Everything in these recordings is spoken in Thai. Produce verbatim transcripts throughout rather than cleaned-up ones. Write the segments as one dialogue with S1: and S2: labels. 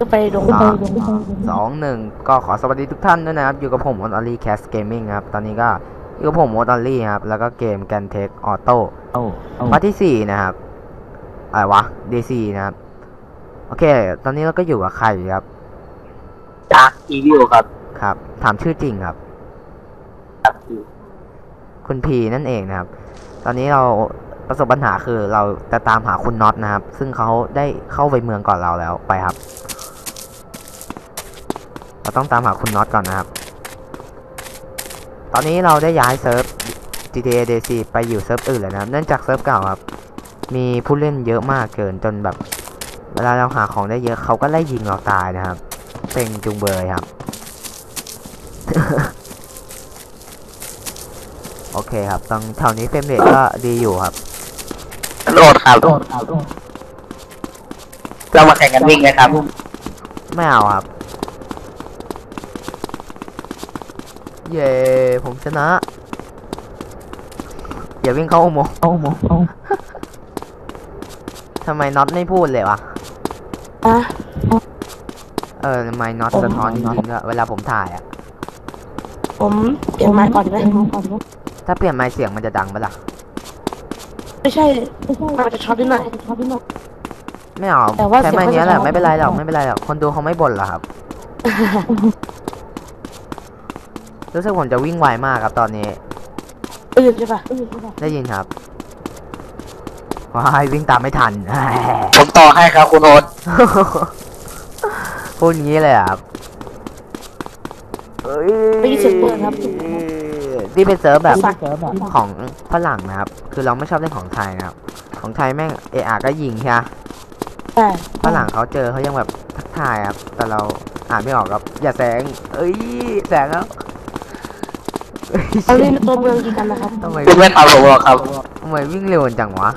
S1: ไปดง
S2: สามสองหนึ่งก็ขอสวัสดีทุกท่านด้วยนะครับอยู่กับผมมอตอลี่แคสเกมมิ่งครับตอนนี้ก็อยู่กับผมมอตอลี่ครับแล้วก็เกมแกนเทคออโต้พาร์ทที่สี่นะครับอะไรวะ ดี ซี นะครับโอเคตอนนี้เราก็อยู่กับใครครับ
S3: จากอีวิวครับ
S2: ครับถามชื่อจริงครับคุณพีนั่นเองนะครับตอนนี้เราประสบปัญหาคือเราจะตามหาคุณน็อตนะครับซึ่งเขาได้เข้าไปเมืองก่อนเราแล้วไปครับเราต้องตามหาคุณน็อตก่อนนะครับตอนนี้เราได้ย้ายเซิร์ฟ จี ที เอ ดี ซี ไปอยู่เซิร์ฟอื่นแล้วนะครับเนื่องจากเซิร์ฟเก่าครับมีผู้เล่นเยอะมากเกินจนแบบเวลาเราหาของได้เยอะเขาก็ไล่ยิงเราตายนะครับเป็นจุงเบยครับ โอเคครับตรงแถวนี้เฟรมเรทก็ดีอยู่ครับ
S3: โหลดครับโหลดครับเรามาแข่งกันวิ่งไหมครับ
S2: ไม่เอาครับเย้ผมชนะอย่าวิ่งเข้าอุโมงค์ทำไมน็อตไม่พูดเลยวะ
S1: อะ
S2: เออทำไมน็อตสะท้อนจริงๆอะเวลาผมถ่ายอะ
S1: ผมเปลี่ยนไมค์ก่อนไหม
S2: ถ้าเปลี่ยนไมค์เสียงมันจะดังปะล่ะ
S1: ไม่ใช่มันจะช็อตนิดหน่อย
S2: ไม่เอาใช้ไมค์นี้แหละไม่เป็นไรหรอกไม่เป็นไรหรอกคนดูเขาไม่บ่นหรอกครับ รู้สึกผมจะวิ่งไวมากครับตอนนี้
S1: ได้ยินใช่ปะ
S2: ได้ยินครับว้ายวิ่งตามไม่ทัน
S3: ผมต่อให้ครับคุณโอ๊ต
S2: พูดงี้เลยครับ
S1: ไม่ได้เสียงเปิดครับ
S2: นี่เป็นเซิร์ฟแบบของฝรั่งนะครับคือเราไม่ชอบเล่นของไทยนะครับของไทยแม่งเออาก็ยิงใช่ไหมฝรั่งเขาเจอเขายังแบบทักทายครับแต่เราอ่านไม่ออกครับอย่าแสงเอ้ยแสงแล้ว
S1: เอาเล่นตัวเมืองกี่กันนะครับ
S2: ทำไม
S3: ไม่ทำผมหรอกครับ
S2: ทำไมวิ่งเร็วจังวะ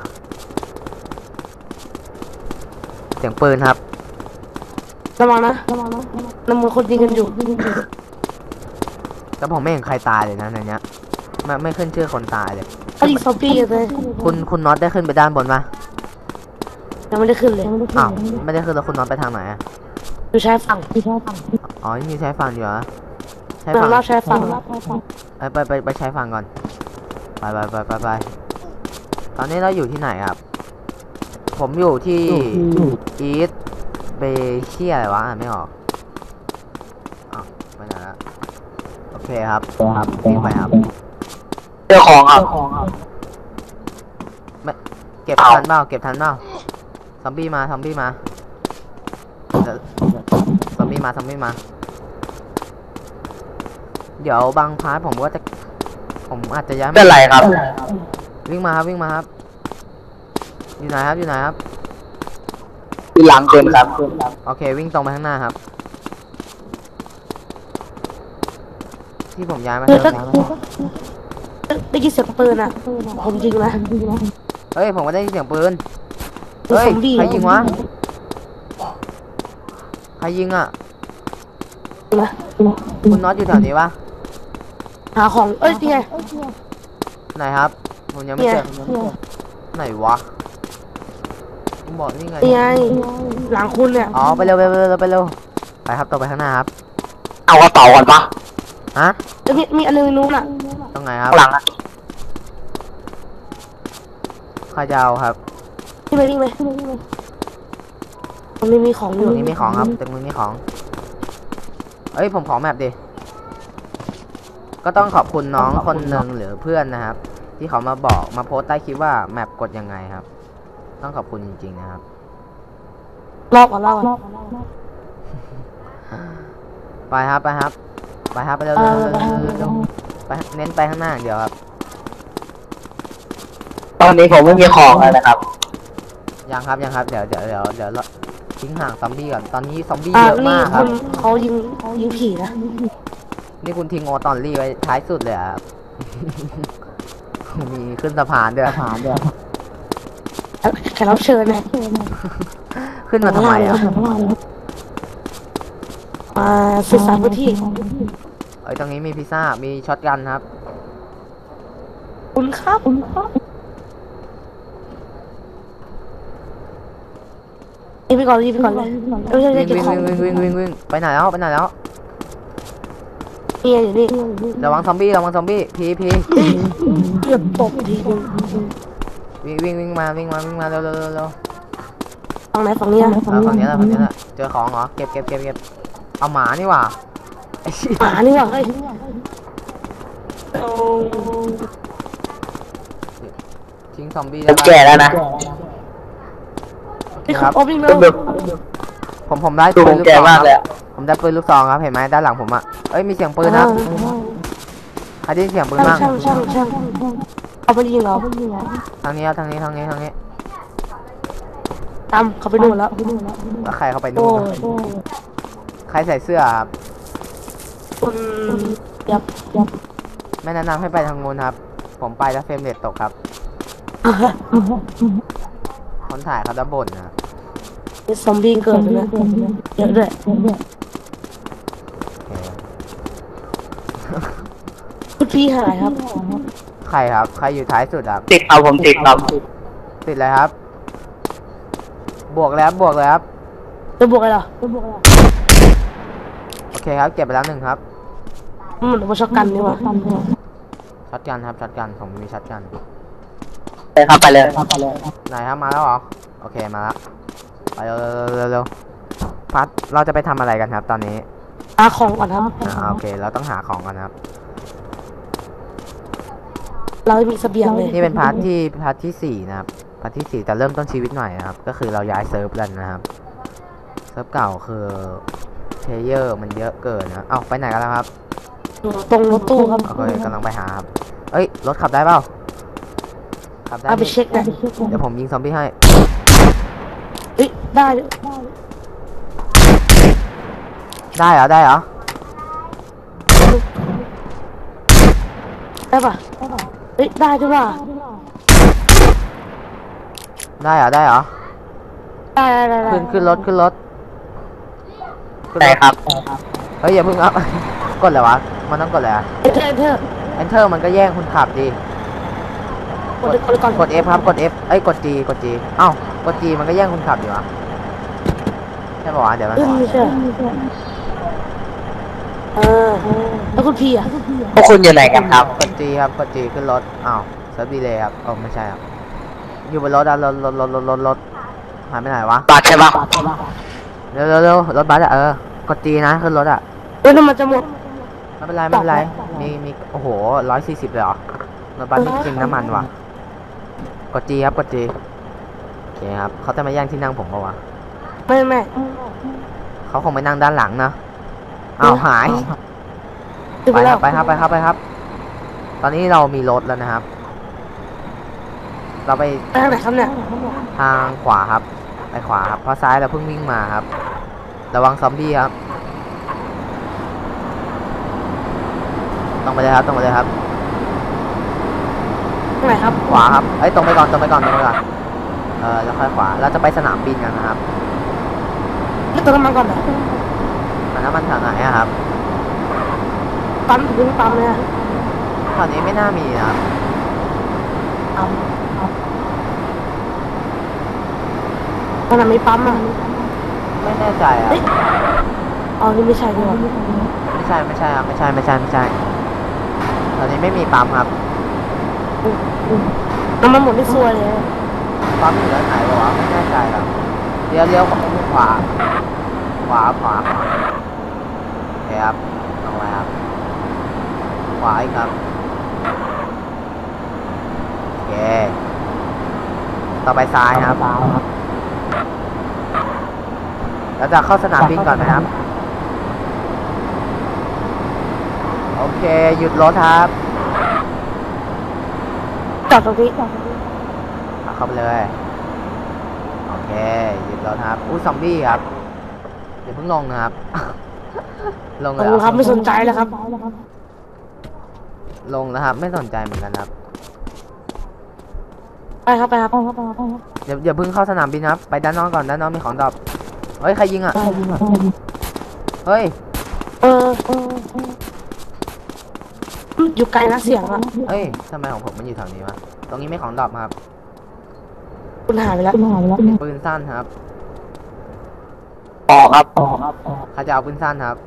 S2: เสียงปืนครับ
S1: ระวังนะระวังนะน้ำมือคนยิงกันอยู่
S2: แต่ผมไม่เห็นใครตายเลยนะในเนี้ยไม่ไม่ขึ้นชื่อคนตายเลย
S1: เขายิงซอมบี้เลย
S2: คุณคุณน็อตได้ขึ้นไปด้านบนปะ
S1: ยังไม่ได้ขึ้นเลย
S2: อ้าวไม่ได้ขึ้นแล้วคุณน็อตไปทางไหนอะ
S1: อยู่ชายฝั่งอยู่ชายฝั่ง
S2: อ๋อมีชายฝั่งอยู่เหรอ
S1: ชายฝั่งเราชายฝั่ง
S2: ไปไปไปชายฝั่งก่อนไปไปไปไปไปตอนนี้เราอยู่ที่ไหนครับผมอยู่ที่อีสเบเชียอะไรวะอ่านไม่ออกอ้าวไม่ไหนละโอเคครับครับวิ่งไปครับ
S3: เจ้าของครับ
S2: ไม่เก็บทันเปล่าเก็บทันเปล่าซอมบี้มาซอมบี้มาซอมบี้มาซอมบี้มาเดี๋ยวบางพาร์ทผมก็จะผมอาจจะย้าย
S3: เป็นไรครับ
S2: วิ่งมาครับวิ่งมาครับอยู่ไหนครับอยู่ไหนครับ
S3: อยู่หลังเกินครับ
S2: โอเควิ่งตรงไปข้างหน้าครับที่ผมย้ายมาเติม
S1: ได้ยินเสียงปืนอ่ะผมยิงนะ
S2: เฮ้ยผมก็ได้ยินเสียงปืนเฮ้ยใครยิงวะใครยิงอ่ะคุณน็อตอยู่แถวนี้วะ
S1: หาของเอ้ยนี่ไง
S2: ไหนครับผมยังไม่เจอไหนวะผมบอกนี่ไง
S1: นี่ไงหลังคุณเนี่ย
S2: อ๋อไปเร็วไปเร็วไปเร็วไปครับต่อไปข้างหน้าครับ
S3: เอากระเป๋าก่อนปะ
S2: ฮะ
S1: มีมีอันนึงนู้นอ่ะ
S2: ตรงไหนครับ
S3: หลังอ่ะ
S2: ข้าจะเอาครับ
S1: นี่ไปนี่ไปมันไม่มีของอยู่
S2: นี่มีของครับแต่มึงมีของเอ้ยผมขอแมปดิก็ต้องขอบคุณน้องคนหนึ่งหรือเพื่อนนะครับที่เขามาบอกมาโพสต์ใต้คลิปว่าแมปกดยังไงครับต้องขอบคุณจริงๆนะครับ
S1: รอบก่อนรอบ
S2: ไปครับไปครับไปครับไปเร็วไปเน้นไปข้างหน้าเดี๋ยวครับ
S3: ตอนนี้ผมไม่มีของเลยนะครับ
S2: ยังครับยังครับเดี๋ยวเดี๋ยวเดี๋ยวเดี๋ยวทิ้งห่างซอมบี้ก่อนตอนนี้ซอมบี้เยอะมากครับ
S1: เขายิงเขายิงผีนะ
S2: นี่คุณทิ้งโอตอนรีไว้ท้ายสุดเลยครับมีขึ้นสะพานด้วยสะพานด้วย
S1: แขกรับเชิญนะ
S2: ขึ้นมาทำไมอ่ะ
S1: มาศึกษาพื้นที่
S2: เอ้ยตรงนี้มีพิซซ่ามีช็อตกันครับ
S1: คุณครับคุณครับยิงไปก่อนยิงไปก่อนเลยไม่ใช่ไม่
S2: วิ่
S1: ใช่
S2: ง
S1: เก็บ
S2: วิ่ง
S1: ของ
S2: วิ่งวิ่งวิ่งวิ่งไปไหนแล้วไปไหนแล้ว
S1: นี่อยู่นี่
S2: ระวังซอมบี้ระวังซอมบี้พีพี
S1: เกือบตกทีนึง
S2: วิ่งวิ่งวิ่งมาวิ่งมาวิ่งมาเร็วเร็วเร็วเร็ว
S1: ฝั่งไหนฝั่งนี้นะ
S2: เออฝั่งนี้แหละฝั่งนี้แหละเจอของเหรอเก็บเก็บเก็บเก็บเอาหมานี่หว่าไอ้เหี้ย
S1: หมานี่ว่ะเฮ้ยโอ้
S2: ทิ้งซอมบี้
S3: ผ
S2: ได้
S3: ม
S2: ปะ
S3: แก่แล้วนะ
S2: โอเค
S1: นี่
S2: ค
S1: เขา
S2: รับ
S1: โอ้วิ่งเร็
S3: ดู
S1: ว
S3: แบบ
S2: ผมผมได้
S3: ดู
S2: ปื
S3: ผ
S2: น
S3: ม
S2: ลูก
S3: แก่
S2: ซอง
S3: มากเลย
S2: ครับ
S3: อะ
S2: ผมได้ปืนลูกซองครับเห็นไหมด้านหลังผมอ่ะเอ้ยมีเสียงปืนนะใครได้ยินเสียงปืน
S1: ช่าง
S2: บ้าง
S1: ช่างช่างช่างเขาไปยิงเรา
S2: ทางนี้ครับทางนี้ทางนี้ทางนี้
S1: ตามเขาไปนู่นแล้ว
S2: แล้วใครเข้าไป
S1: โอ้
S2: นู่น
S1: ย
S2: ใครใส่เสื้อครับ
S1: คุณยับยับ
S2: ไม่แนะนำให้ไปทางนู้นครับ ผมไปแล้วเฟรมเรทตกครับ คนถ่ายเขาจะบ่นนะครับ
S1: มีซอมบี้เกิดเลยเยอะด้วย
S2: โอเค
S1: คุณพี่หายครับ
S2: ใครครับ ใครอยู่ท้ายสุดครับ
S3: ติดเอาผมติดครับ
S2: ติดเลยครับ บวกแล้วบวกเลยครับ
S1: จะบวกอะไรเหรอจะบวกอะไร
S2: โอเคครับ เก็บไปแล้วหนึ่งครับ
S1: มันเหมือนว่าช็อกกันนี่หว่า
S2: ช็อตกันครับช็อตกันผมมีช็อตกัน
S3: ไปครับไปเลย
S2: ไหนครับมาแล้วเหรอ โอเคมาแล้ว ไปเร็วเร็วเร็วเร็วพัดเราจะไปทำอะไรกันครับ ตอนนี้
S1: หาของก่อนครับ
S2: อ่าโอเค เราต้องหาของกันครับ
S1: เราไม่มีเสบียงเลย
S2: นี่เป็นพาร์ทที่พาร์ทที่สี่นะครับ พาร์ทที่สี่แต่เริ่มต้นชีวิตใหม่นะครับ ก็คือเราย้ายเซิร์ฟกันนะครับ เซิร์ฟเก่าคือเพลเยอร์มันเยอะเกินนะ เอ้าไปไหนกันแล้วครับ
S1: ตรงรถตู้ครับ
S2: โอเคกำลังไปหาครับ เอ้ยรถขับได้เปล่า ขับได้
S1: เอาไป
S2: นี่
S1: เช็คนะ
S2: เดี๋ยวผมยิงซอมบี้ให้
S1: เฮ้ยได้
S2: ได้เหรอได้เหรอ
S1: ได้ปะเฮ้ยได้ใช่ปะ
S2: ได้เหรอได้เหรอ
S1: ได้ได้ได้
S2: ขึ้นขึ้นรถขึ้นรถขึ้น
S3: ใช่
S2: รถ
S3: ครับ
S2: เฮ้ยอย่าเพิ่งอัพ กดเลยวะ มันต้องกดเลยอะ
S1: เอเธอร์เอเธอร์
S2: Enter มันก็แย่งคุณขับดี
S1: กดกดก่อน
S2: กด F ครับกด F เอ้ยกด G กด G เอ้ากด G มันก็แย่งคุณขับอยู่อะใช่ป่าวะเดี๋ยวมัน
S1: เออไม่ใช่เออแล้วคุณพี่อ่ะ
S3: พวกคุณอยู่ไหนกันครับ
S2: กด G ครับกด G ขึ้นรถอ้าวเซิร์ฟดีเลยครับโอ้ไม่ใช่ครับอยู่บนรถอะรถรถรถรถรถรถหายไปไหนวะ
S3: บัตรใช่ปะ
S2: เร็วเร็วเร็วรถบัสอะเออกด G นะขึ้นรถอะ
S1: เฮ้ยน้ำมันจะหมด
S2: ไม่เป็นไรไม่เป็นไรมีมีโอ้โหร้อยสี่สิบเลยเหรอรถบัสไม่กินน้ำมันว่ะกด G ครับกด G โอเคครับเขาจะมาแย่งที่นั่งผมปะวะ
S1: ไม่ไม่
S2: เขาคงไปนั่งด้านหลังนะอ้าวหาย
S1: ถึง
S2: ไป
S1: ไป
S2: ค
S1: แล้
S2: รั
S1: ว
S2: บไปครับไปครับไปครับ ตอนนี้เรามีรถแล้วนะครับ เราไป
S1: ไปทางไหนครับเนี่ย
S2: ทางขวาครับ ไปขวาครับเพราะซ้ายเราเพิ่งวิ่งมาครับ ระวังซอมบี้ครับตรงไปเลยครับตรงไปเลยครับ
S1: ทางไหนครับ
S2: ขวาครับเอ้ยตรงไปก่อนตรงไปก่อนตรงไปก่อนเออแล้วค่อยขวาเราจะไปสนามบินกันนะครับ
S1: นี่ตัวน้ำมันก่อนเหรอ
S2: มันน้ำมันแถวไหนอะครับ
S1: ปั๊มถึงปั๊มเลยอะ
S2: แถวนี้ไม่น่ามีนะครับ
S1: ปั๊มขนาดไม่ปั๊มอ่ะ
S2: ไม่แน่ใจอะ
S1: เฮ้ยอ๋อนี่ไม่ใช่ดีกว่า
S2: ไม่ใช่ไม่ใช่ครับไม่ใช่ไม่ใช่ไม่ใช่ตอนนี้ไม่มีปั๊มครับ
S1: น้ำมันหมดไม่ซวยเลย
S2: ปั๊มอยู่ด้านไหนวะไม่แน่ใจครับเลี้ยวเลี้ยวขวาขวาขวาขวาโอเคครับลงไปครับขวาอีกครับโอเคต่อไปซ้ายครับแล้วจะเข้าสนามบินก่อนไหมครับโอเคหยุดรถครับ
S1: จอดตรงนี้
S2: ขับเข้าไปเลยโอเคหยุดรถครับอู้ซอมบี้ครับอย่าเพิ่งลงนะครับ ลง
S1: ข
S2: เล
S1: อบ
S2: ย
S1: คุณ
S2: เห
S1: ค
S2: ร
S1: รั
S2: อบ
S1: ไม่สนใจแล้วครับ
S2: ลงแล้วครับไม่สนใจเหมือนกันครับ
S1: ไปครับไปครับ
S2: เดี๋ยวอย่าเพิ่งเข้าสนามบินครับไปด้านนอกก่อนด้านนอกมีของดรอปเฮ้ยใครยิงอ่ะเฮ้ย
S1: เอออยู่ไกลนะเสียงอ่ะ
S2: เฮ้ยทำไมของผมมันอยู่แถวนี้วะตรงนี้ไม่ของดรอปครับ
S1: คุณหายไปแล้ว
S2: เป็นปืนสั้นครับ
S3: ออกครับออกครับ
S2: เขาจะเอาปืนสั้นครับ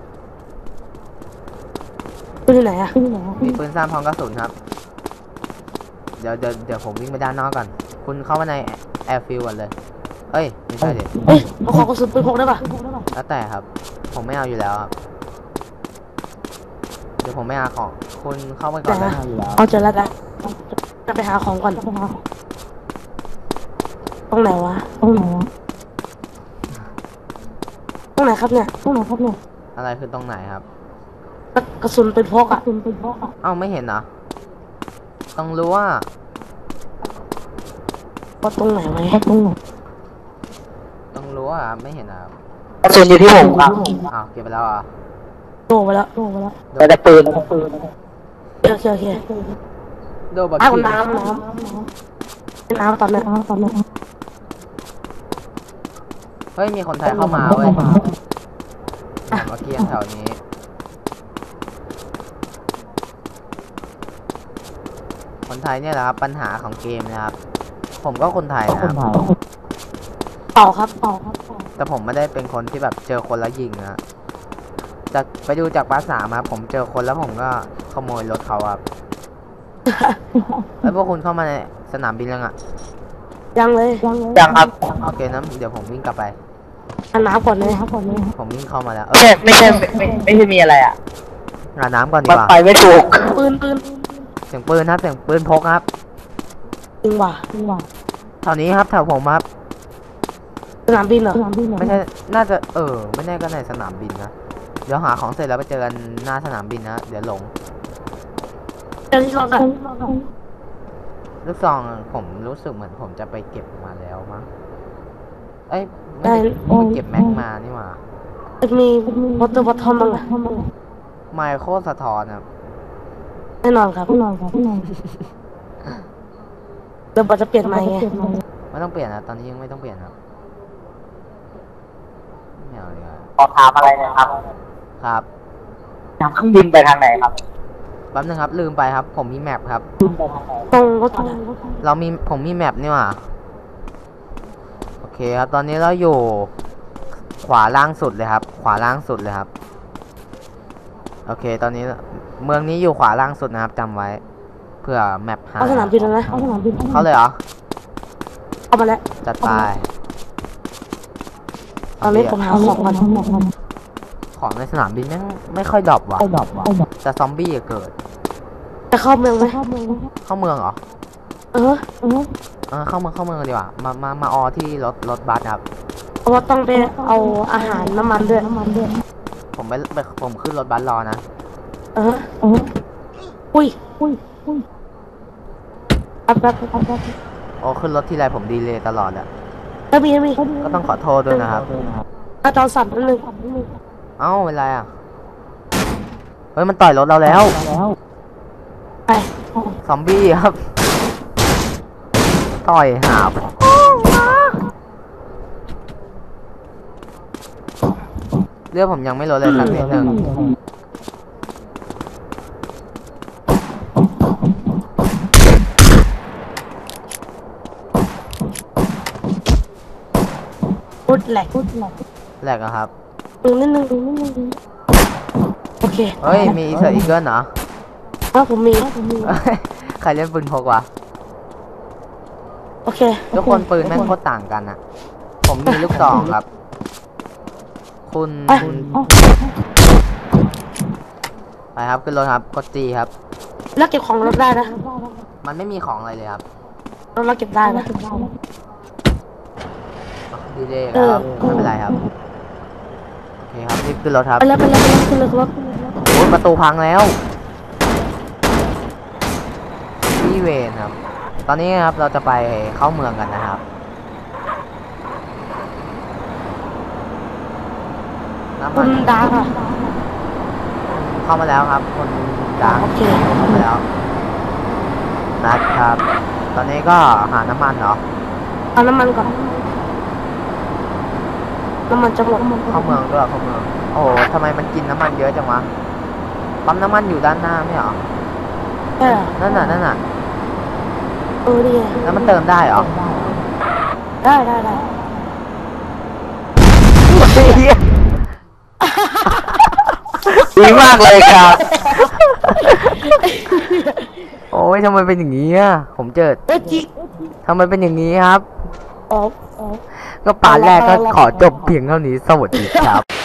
S1: ปืนที่ไหนอะ
S2: มีปืนสั้นพร้อมกระสุนครับ เดี๋ยวเดี๋ยวเดี๋ยวผมวิ่งไปด้านนอกก่อน คุณเข้ามาในแอร์ฟิลก่อนเลย เอ้ยไม่ใช่เด็
S1: เฮ้ยเอาขอกระสุนปืนพกได้ปะ
S2: แล้วแต่ครับ ผมไม่เอาอยู่แล้วครับ เดี๋ยวผมไม่เอาของ คุณเข้าไปก่อนเลย
S1: เอาเจอแล้วกันจะไปหาของก่อนตรงไหนวะตรงไหนวะตรงไหนครับเนี่ยตรงไหนครับเนี่ย
S2: อะไรคือตรงไหนครับ
S1: กระสุนปืนพกอะปืนพกอะ
S2: เอ้าไม่เห็นเหรอ ต้องรู้ว่า
S1: ว่าตรงไหนไหมตรงไหน
S2: ต้องรู้ว่าไม่เห็นอ่ะ
S3: กระสุนอยู่ที่ผมครับ
S2: อ้าวเก็บไปแล้วเหรอ่ะ
S1: โดไปแล้วโดไปแล้ว
S3: แต่แต่ปืนแต่ปืน
S1: โอเคโอเค
S2: โดบัก
S1: อ้าว
S2: กี้
S1: น้ำน้ำเป็นน้ำตอนนี้น้ำตอนนี้
S2: เฮ้ยมีคนไทยเข้ามาเว้ยบักกี้แถวนี้ คนไทยเนี่ยแหละครับปัญหาของเกมนะครับ ผมก็คนไทยนะครับ
S1: เป่าครับเป่าครับ
S2: แต่ผมไม่ได้เป็นคนที่แบบเจอคนแล้วยิงนะจากไปดูจากภาษามาผมเจอคนแล้วผมก็ขโมยรถเขาครับ แล้วพวกคุณเข้ามาในสนามบินยังอ่ะ
S1: ยังเลยยังเลย
S3: ยังครับ
S2: โอเคนะเดี๋ยวผมวิ่งกลับไป
S1: อันน้ำก่อนเลยครับก่อนเลย
S2: ผมวิ่งเข้ามาแล้วเอ
S3: ไม่
S2: อ
S3: ใช่ไม่ใช่ไม่ไม่ไม่ใช่มีอะไรอ่ะ
S2: อาบน้ำก่อนดี
S3: มัน
S2: กว่า
S3: ไปไม่ถูก
S1: ปืนปืน
S2: เสียงปืนครับเสียงปืนพกครับ
S1: จริงว่ะจริงว่ะ
S2: แถวนี้ครับแถวผมครับ
S1: สนามบินเหรอสนามบินเหรอ
S2: ไม่ใช่น่าจะเออไม่แน่ก็ในสนามบินนะเดี๋ยวหาของเสร็จแล้วไปเจอกันหน้าสนามบินนะเดี๋ยวหลง
S1: เจอที่รถอะ
S2: ลูกซองผมรู้สึกเหมือนผมจะไปเก็บมาแล้วมั้งเอ้ยไม่ได้ผมไปเก็บแม็กมานี่หว่า
S1: มีวอเตอร์บอททอมบ้างอะ
S2: ไมโครสะท้อนครับ
S1: แน่นอนครับแน่นอนครับแน่นอนเดี๋ยวบอจะเปลี่ยนใหม่ไง
S2: ไม่ต้องเปลี่ยนนะตอนนี้ยังไม่ต้องเปลี่ยนครับไม่เอาเลยครับ
S3: ขอถามอะไรหนะครับ
S2: ครับ
S3: จากเครื่องบินไปทางไหนครับ
S2: แป๊บนึงครับลืมไปครับ ผมมีแมปครับ
S3: บินไปทางไหน
S1: ตรงรถอะ
S2: เรามีผมมีแมปนี่หว่าโอเคครับตอนนี้เราอยู่ขวาล่างสุดเลยครับ ขวาล่างสุดเลยครับโอเค ตอนนี้เมืองนี้อยู่ขวาล่างสุดนะครับจำไว้เพื่อแมปหา
S1: เอาสนามบินแล้วนะเอาสนามบิน
S2: เขาเลยเหรอ
S1: เอามาแล้ว
S2: จัดไป
S1: ตอนนี้ผมหาของก่อน
S2: ของในสนามบินแม่งไม่ค่อยดรอปว่ะแต่ซอมบี้อะเกิด
S1: จะเข้าเมืองไหม
S2: เข้าเมืองเหรอ
S1: เออเออ
S2: เออเข้าเมืองเข้าเมืองดีกว่ามามามาออที่รถรถบัสครับ
S1: เพราะว่าต้องไปเอาอาหารน้ำมันด้วยน้ำมันด้วย
S2: ผมไปไปผมขึ้นรถบัสรอนะ
S1: เออเอออุ้ยอุ้ยอุ้ยแป๊บแป๊บแป๊บแป๊บ
S2: โอ้ขึ้นรถทีไรผมดีเลยตลอดอะ
S1: แล้วมีมี
S2: ก็ต้องขอโทษด้วยนะครับ
S1: อาจารย์สั่นนิดนึง
S2: เอ้าเป็นไรอ่ะ เฮ้ยมันต่อยรถเราแล้ว
S1: ไป
S2: ซอมบี้ครับ ต่อยหาบเรื่องผมยังไม่ลดเลยสักนิดนึง
S1: พูดแหลกพูดแหลก
S2: แหลกอะครับ
S1: นึงนิดนึงนิดนึงโอเค
S2: เฮ้ย มีอีเซอร์อีเกิลเหรอ
S1: ถ้าผมมีผมมี
S2: ใครเล่นปืนพกวะ
S1: โอเค
S2: ทุกคนปืนแม่งโคตรต่างกันอะผมมีลูกซองครับ คุณ
S1: ไป
S2: ไปครับขึ้นรถครับกดจีครับ
S1: แล้วเก็บของรถได้นะ
S2: มันไม่มีของอะไรเลยครับ
S1: รถเราเก็บได้นะ
S2: ดีเลยครับไม่เป็นไรครับ โอเคครับรีบขึ้นรถครับ
S1: ไปแล้วไปแล้วไปแล้วขึ้นรถรถ
S2: โอ้ยประตูพังแล้วพี่เวนครับ ตอนนี้ครับเราจะไปเข้าเมืองกันนะครับ น้ำ
S1: คุ
S2: มัน
S1: ณดาค่ะ
S2: เข้ามาแล้วครับคนดัง
S1: โอเค
S2: เข้ามาแล้วนะครับ ตอนนี้ก็หาน้ำมันเนาะ
S1: เอาน้ำมันก่อนน้ำมันจะหมด
S2: เข้าเมืองด้วยเข้าเมือง โอ้โหทำไมมันกินน้ำมันเยอะจังวะ ปั๊มน้ำมันอยู่ด้านหน้าไม่เหรอ
S1: เออ
S2: นั่นน่ะนั่นน่ะ
S1: เออดีไง
S2: แล้วมันเติมได้เหรอ
S1: ได้ได้ได้
S2: โอ้โหเหี้ยดีมากเลยครับ โอ้ยทำไมเป็นอย่างนี้อ่ะผมเจอ
S1: เอ้ยจิ
S2: ทำไมเป็นอย่างนี้ครับ
S1: อ๋ออ๋อ
S2: ก็ปาแรกก็ขอจบเพียงเท่านี้สวัสดีครับ